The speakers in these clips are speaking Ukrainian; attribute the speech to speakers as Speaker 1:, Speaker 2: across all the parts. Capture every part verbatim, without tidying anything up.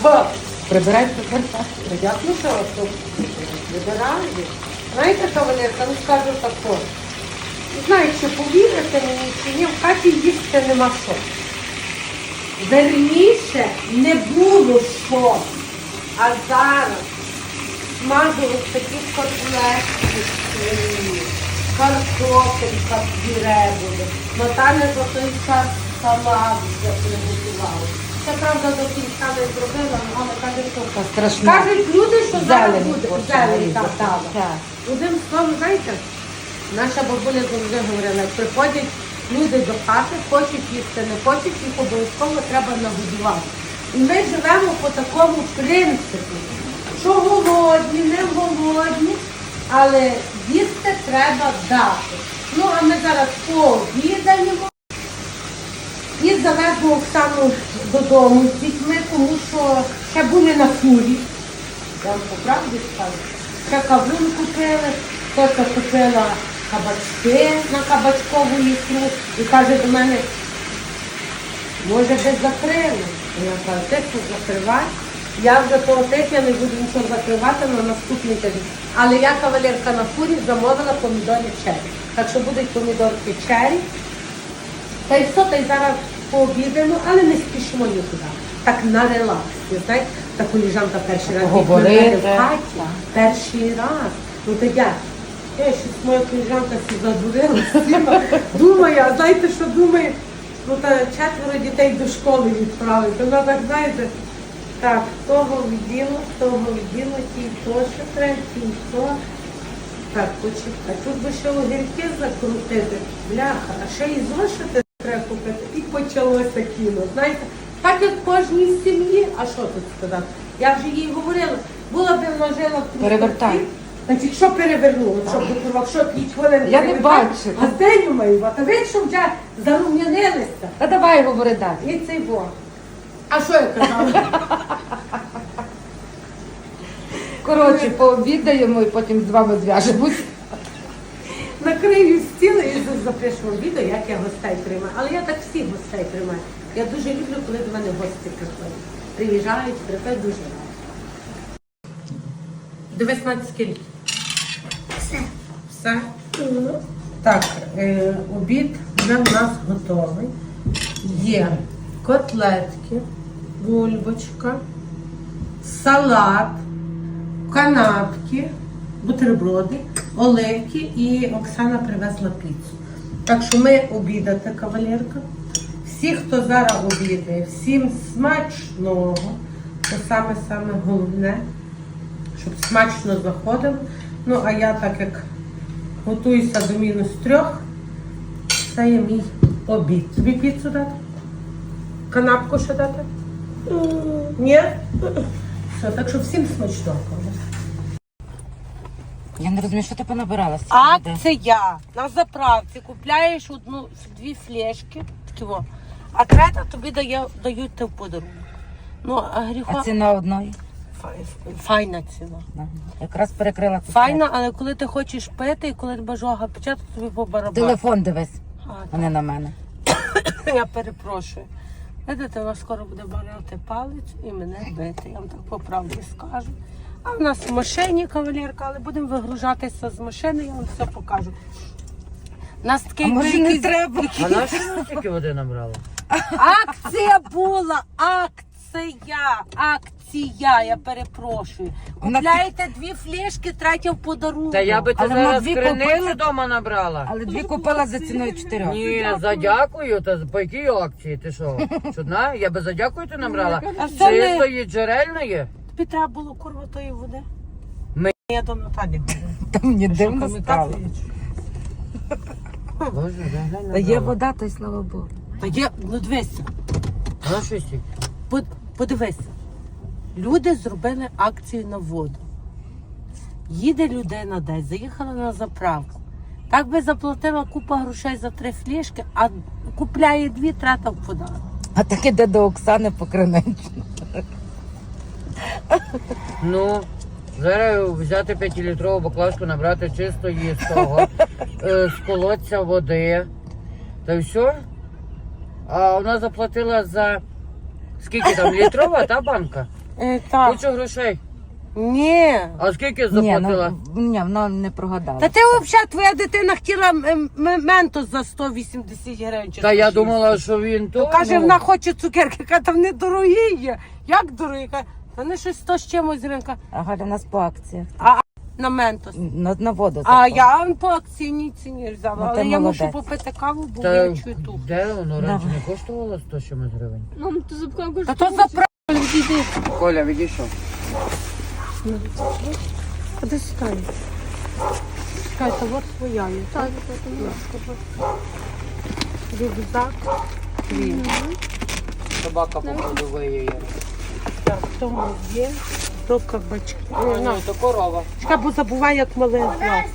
Speaker 1: Що?
Speaker 2: Прибирай, прибирай.
Speaker 1: Як ну що, що? Вибираю. Знаєте, кавалерка, ну скажу тако. Не знаю, чи повірите мені, чи ні, в хаті їсти нема що. Верніше не було що. А зараз смажу ось такі котлетки, свині, картопелька пюре буде. Наталя за той час салат вже приготувала. Це правда до кінця не зробила, але каже, що
Speaker 2: страшно.
Speaker 1: кажуть люди, що зараз
Speaker 2: Зелень
Speaker 1: буде
Speaker 2: хоче
Speaker 1: зелень
Speaker 2: нарізати.
Speaker 1: так дала.
Speaker 2: Так.
Speaker 1: Одним словом, знаєте, наша бабуля завжди говорила, як приходять люди до хати, хочуть їсти, не хочуть, їх обов'язково треба нагодувати. І ми живемо по такому принципі, що голодні, не голодні, але їсти треба дати. Ну, а ми зараз пообідаємо і завеземо Оксану додому з дітьми, тому що ще були на фурі. Я вам по правді скажу. Ще кавун купили, хтось купила кабачки на кабачкову ікру і каже до мене, може би закрили. І я кажу, ти що закривай. Я вже того типу, я не буду нічого закривати на наступний тиждень. Але я, кавалерка, на фурі замовила помідори чері. Так що будуть помідорки чері. Та й все, та й зараз пообідаємо, але не спішимо нікуди. Так на релаксі, знаєте, та коліжанка перший раз
Speaker 2: Поговорити.
Speaker 1: в хаті. Перший раз. Ну то як? Я щось моя коліжанка всі задурила, сіла. Думає, а знаєте, що думає? Ну та четверо дітей до школи відправити. Вона так, знаєте, так, того відділу, того відділу, тій то, що треба, тій то. Так, почекай. Тут би ще огірки закрутити, бляха, а ще і зошити треба купити. І почалося кіно. Знаєте, так як в кожній сім'ї, а що тут сказати? Я вже їй говорила, була б вона жила в
Speaker 2: Перевертай.
Speaker 1: значить, що перевернуло, щоб до курвак, що п'ять хвилин
Speaker 2: Я не
Speaker 1: перевертати,
Speaker 2: бачу.
Speaker 1: А зденю маю, а ви що вже зарум'янилися.
Speaker 2: Та давай говори далі.
Speaker 1: І цей бо. А що я казала?
Speaker 2: Коротше, пообідаємо і потім з вами зв'яжемось.
Speaker 1: Накрию стіл і запишемо відео, як я гостей приймаю. Але я так всіх гостей приймаю. Я дуже люблю, коли до мене гості приходять. Приїжджають, приходять дуже рано. Дивись на скільки.
Speaker 3: Все.
Speaker 1: Все? Так, е, обід вже в нас готовий. Є котлетки, бульбочка, салат, канапки, бутерброди, оливки і Оксана привезла піцу. Так що ми обідати, кавалерка. Всі, хто зараз обідає, всім смачного. Це саме-саме головне, щоб смачно заходило. Ну, а я так як готуюся до мінус трьох, це є мій обід. Тобі піцу дати? Канапку ще дати? Ні? Все, так що всім смачного.
Speaker 2: Я не розумію, що ти понабирала. з цієї води?
Speaker 1: Акція. На заправці купляєш одну, дві флешки, такі во, а третя тобі дає, дають те в подарунок. Ну, а гріха...
Speaker 2: А ціна одної?
Speaker 1: Фай- Файна ціна.
Speaker 2: Ага. Якраз перекрила це.
Speaker 1: Файна, але коли ти хочеш пити і коли тебе жога пече, то тобі по барабану.
Speaker 2: Телефон дивись,
Speaker 1: А,
Speaker 2: а не на мене.
Speaker 1: Я перепрошую. Видите, вона скоро буде барати палець і мене бити. Я вам так по правді скажу. А в нас в машині кавалерка, але будемо вигружатися з машини, я вам все покажу. У нас такий
Speaker 2: А може не
Speaker 1: великий-
Speaker 2: треба?
Speaker 4: А на що вона тільки води набрала?
Speaker 1: Акція була! Акція! Акція! Я перепрошую.
Speaker 2: Вона-
Speaker 1: Купляєте дві флешки, третя в подарунок.
Speaker 4: Та я би
Speaker 2: Але
Speaker 4: це
Speaker 2: вона
Speaker 4: зараз
Speaker 2: дві
Speaker 4: криницю
Speaker 2: купила.
Speaker 4: вдома набрала.
Speaker 2: Але дві купила за ціною чотирьох.
Speaker 4: Ні, за дякую, та по якій акції? Ти що? Чудна? Я би за дякую ти набрала.
Speaker 1: А це не-
Speaker 4: Чистої, джерельної.
Speaker 1: Тобі треба було курва тої води.
Speaker 4: Ми-
Speaker 1: Я до Наталі говорю.
Speaker 2: Та мені дивно
Speaker 1: Камікадзе
Speaker 2: стало.
Speaker 1: є чи?
Speaker 4: Боже, глянь
Speaker 2: Та є
Speaker 4: набрала.
Speaker 2: вода, та й слава Богу.
Speaker 1: Та є, ну дивися,
Speaker 4: А на що стільки?
Speaker 1: под- подивися. Люди зробили акцію на воду. Їде людина десь, заїхала на заправку. Так би заплатила купа грошей за три флешки, а купляє дві, трата в подарунок.
Speaker 2: А так іде до Оксани по криничну.
Speaker 4: Ну, зараз взяти п'ятилітрову баклажку, набрати чистої з того, е, з колодця води. Та й все. А вона заплатила за скільки там, літрова та банка?
Speaker 1: Е, так.
Speaker 4: Кучу грошей.
Speaker 1: Ні.
Speaker 4: А скільки
Speaker 2: Ні,
Speaker 4: заплатила?
Speaker 2: ну, ні, вона не прогадала.
Speaker 1: Та ти взагалі, твоя дитина хотіла м- м- ментос за сто вісімдесят гривень. чи
Speaker 4: Та я
Speaker 1: сто шістдесят.
Speaker 4: думала, що він то.
Speaker 1: Каже,
Speaker 4: ну,
Speaker 1: вона хоче цукерки. Каже, та вони дорогі є. Як дорогі? Каже, та вони щось сто з чимось гривень. Каже,
Speaker 2: А Галя у нас по акціях.
Speaker 1: А на ментос.
Speaker 2: На, на воду
Speaker 1: А
Speaker 2: запала.
Speaker 1: я по акційній ціні взяла.
Speaker 2: Ну,
Speaker 1: Але
Speaker 2: ти
Speaker 1: я мушу
Speaker 2: молодець.
Speaker 1: попити каву, бо
Speaker 4: Та
Speaker 1: я чую ту.
Speaker 4: де воно раніше не коштувало сто чимось гривень?
Speaker 3: Мам, ти запхав
Speaker 1: Та то заправили, відійди.
Speaker 4: Коля, відійшов.
Speaker 1: А де стай? Чекай, та от твоя є.
Speaker 3: Так,
Speaker 1: Рюкзак. Твій.
Speaker 4: Собака походу виє.
Speaker 1: Так, тому є. То кабачки.
Speaker 4: Ну, то корова.
Speaker 1: Чекай, бо забувай, як мале звати.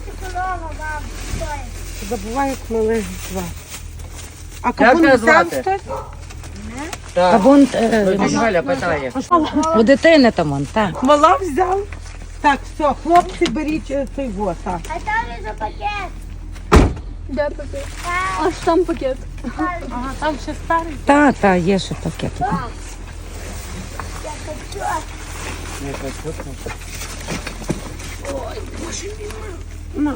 Speaker 1: Забувай, як мале звати. А кавун
Speaker 4: тебе
Speaker 1: взяв
Speaker 4: звати?
Speaker 1: хтось?
Speaker 2: А
Speaker 4: Так.
Speaker 2: вон
Speaker 4: Ось Галя питає.
Speaker 2: у дитини там он, так.
Speaker 1: Мала взяв? Так, все, хлопці, беріть е, той вот, так.
Speaker 5: А там за пакет.
Speaker 3: де пакет? Аж там пакет.
Speaker 1: Ага, там ще старий.
Speaker 2: Та, та, є ще пакет.
Speaker 5: Я хочу.
Speaker 1: Ну.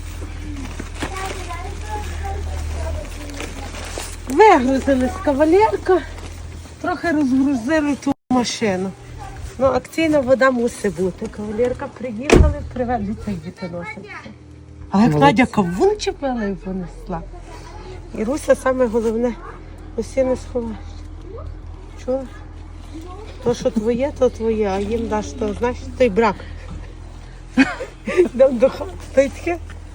Speaker 1: Вигрузились кавалерка, трохи розгрузили ту машину. Ну, акційна вода мусить бути. Кавалерка приїхали, привезли цей дітоносиця. Але як Надя кавун чепила і понесла. І Руся саме головне, усі не сховаєш. Чула? То, що твоє, то твоє, а їм даш то, знаєш, той брак. Йдемо до хати, то й таке.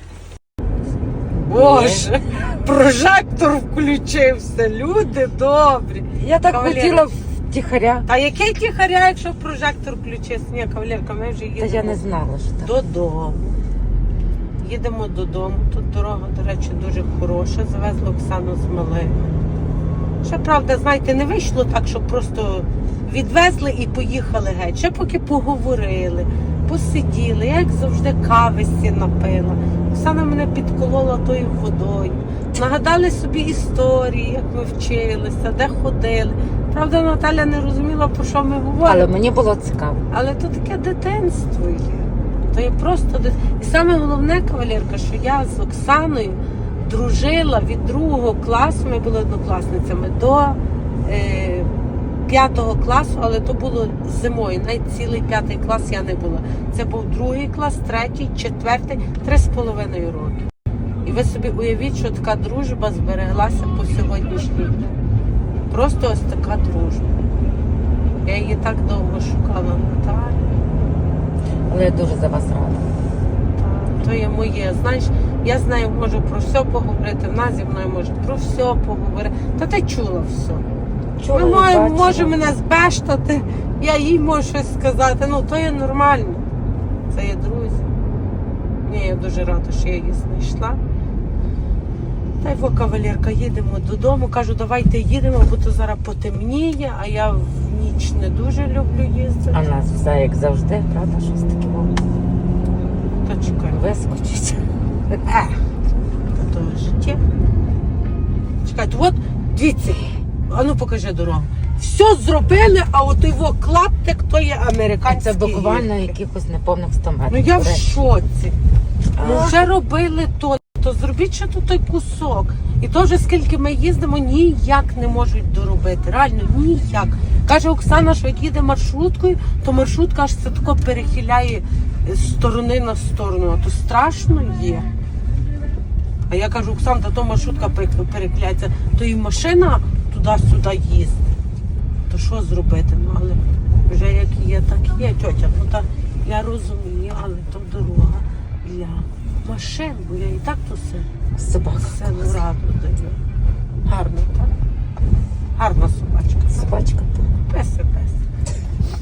Speaker 1: Боже, прожектор включився, люди добрі.
Speaker 2: Я так
Speaker 1: Кавалерка.
Speaker 2: хотіла втіхаря,
Speaker 1: Та який тихаря, якщо прожектор включився? Ні, кавалерка, ми вже
Speaker 2: та
Speaker 1: їдемо
Speaker 2: я не знала, що так.
Speaker 1: додому. Їдемо додому. Тут дорога, до речі, дуже хороша. Завезли Оксану з малим. Ще, правда, знаєте, не вийшло так, що просто відвезли і поїхали геть. Ще поки поговорили, посиділи. Я, як завжди, кависті напила. Оксана мене підколола тою водою. Нагадали собі історії, як ми вчилися, де ходили. Правда, Наталя не розуміла, про що ми говоримо.
Speaker 2: Але мені було цікаво.
Speaker 1: Але то таке дитинство є. То є просто дит... І саме головне, кавалерка, що я з Оксаною дружила від другого класу, ми були однокласницями, до е, п'ятого класу, але то було зимою, навіть цілий п'ятий клас я не була. Це був другий клас, третій, четвертий, три з половиною роки. І ви собі уявіть, що така дружба збереглася по сьогоднішній день. Просто ось така дружба. Я її так довго шукала, Наталю.
Speaker 2: Але я дуже за вас рада.
Speaker 1: То є моє. Знаєш, я з нею можу про все поговорити, вона зі мною може про все поговорити. Та ти чула все.
Speaker 2: Чула,
Speaker 1: Ми можемо,
Speaker 2: бачила.
Speaker 1: може мене збештати, я їй можу щось сказати. Ну, то є нормально. Це є друзі. Ні, я дуже рада, що я її знайшла. Та й во, кавалерка, їдемо додому. Кажу, давайте їдемо, бо то зараз потемніє, а я в ніч не дуже люблю їздити.
Speaker 2: А в нас все як завжди, правда, щось таке вам
Speaker 1: Та чекай.
Speaker 2: вискочить.
Speaker 1: Е, то життя. Чекайте, от, дивіться, а ну покажи дорогу. Все зробили, а от його клаптик, то є американський.
Speaker 2: Це буквально
Speaker 1: гірки.
Speaker 2: якихось неповних сто метрів.
Speaker 1: Ну я в
Speaker 2: Реально.
Speaker 1: шоці. Ну вже робили то, то зробіть ще тут той кусок. І то вже скільки ми їздимо, ніяк не можуть доробити. Реально, ніяк. Каже Оксана, що як їде маршруткою, то маршрутка аж це тако перехиляє з сторони на сторону. А то страшно є. А я кажу, Оксан, та то маршрутка перехиляється, то і машина туди-сюди їздить. То що зробити? Ну, але вже як є, так є, тьотя. Ну так я розумію, але то дорога для машин, бо я і так то все,
Speaker 2: Собака.
Speaker 1: все ну, раду даю. Гарно, так? Гарна собачка.
Speaker 2: Собачка.
Speaker 1: Песи, пес.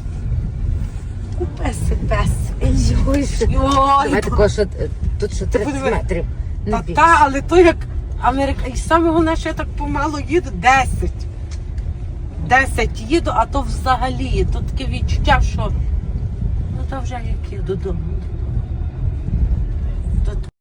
Speaker 1: Песи, пес. Ой,
Speaker 2: Давай такого, що е, тут ще тридцять
Speaker 1: подиви.
Speaker 2: метрів. Не
Speaker 1: Та,
Speaker 2: більше.
Speaker 1: та, але то як Америка. І саме головне, що я так помало їду, десять. Десять їду, а то взагалі. То таке відчуття, що ну то вже як я додому.